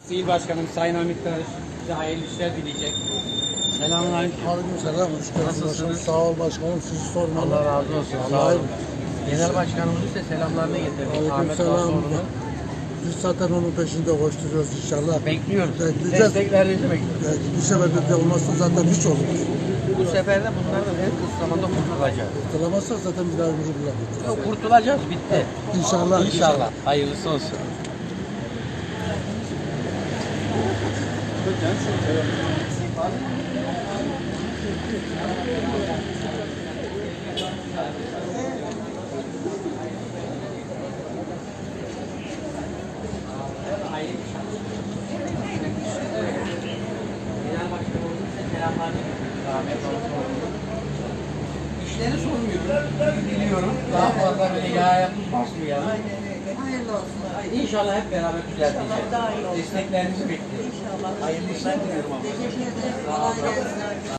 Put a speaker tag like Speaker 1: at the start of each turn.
Speaker 1: İl Başkanım Sayın Hamit Karış size hayırlı işler dileyecek. Selamünaleyküm.
Speaker 2: Aleykümselam. Hoş geldiniz.
Speaker 1: Nasılsınız?
Speaker 2: Sağ ol başkanım. Sizi sormalı.
Speaker 1: Allah razı olsun. Sağ olun. Genel Başkanımız ise selamlarını getirdik. Ahmet
Speaker 2: Aleykümselam.
Speaker 1: Davutoğlu'nun.
Speaker 2: Biz zaten onun peşinde koşturuyoruz inşallah.
Speaker 1: Bekliyoruz.
Speaker 2: Bekleyeceğiz.
Speaker 1: Desteklerinizi bekliyoruz.
Speaker 2: Bir sefer de olmazsa zaten hiç olur.
Speaker 1: Bu sefer de bunlardan en kısa zamanda kurtulacağız.
Speaker 2: Kurtulamazsak zaten bir daha ömrü bulamayız.
Speaker 1: Yok, kurtulacağız. Bitti.
Speaker 2: İnşallah.
Speaker 1: İnşallah. Hayırlısı olsun. İşleri sormuyorum. Biliyorum. Daha fazla böyle yağ basmayalım.
Speaker 3: Hayırlı olsun.
Speaker 1: İnşallah hep beraber düzelteceğiz. Desteklerinizi bekliyoruz.
Speaker 3: İnşallah.
Speaker 1: Hayırlı işler diliyorum abla.
Speaker 3: Teşekkür ederim. Kolay gelsin.